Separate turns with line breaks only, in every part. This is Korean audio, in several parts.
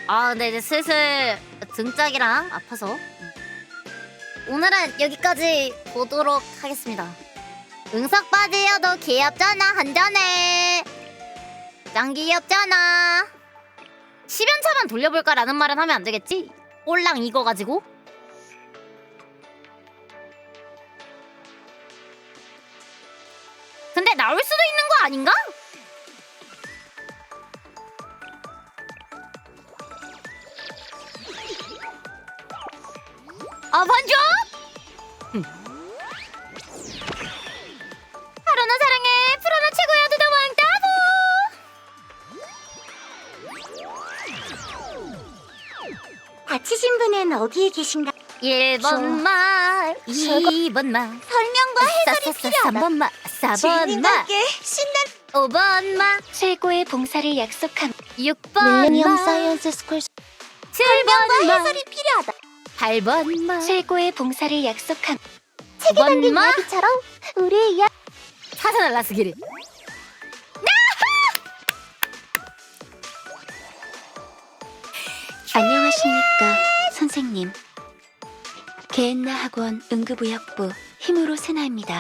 아, 근데 이제 슬슬 등짝이랑 아파서 오늘은 여기까지 보도록 하겠습니다. 응석 바지여도 귀엽잖아. 한잔해. 짱 귀엽잖아. 10연차만 돌려볼까라는 말은 하면 안 되겠지? 꼴랑 이거 가지고? 근데 나올 수도 있는 거 아닌가? 아, 반전? 하루나 사랑해. 프로나 최고야. 두다 왕따보.
다치신 분은 어디에 계신가?
1번 말, 2번 말,
설명과 해설이 필요하다.
3번 말, 4번 말,
주인님께 신난
5번 말,
최고의 봉사를 약속함.
6번
밀레니엄
말,
사이언스 스쿨
7번 말,
해설이 필요하다.
8번 말,
최고의 봉사를 약속함.
9번 말,
이야기처럼 우리의 이야기.
사선을 나스기를.
안녕하십니까 선생님. 개엔나 학원 응급의학부 힘으로 세나입니다.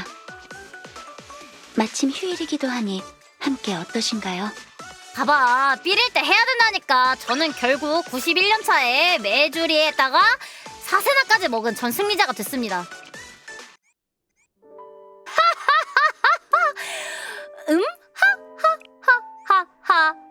마침 휴일이기도 하니 함께 어떠신가요?
봐봐, 삐릴 때 해야 된다니까. 저는 결국 91년 차에 메주리에다가 사세나까지 먹은 전 승리자가 됐습니다. 하하하하하. 하하하하하.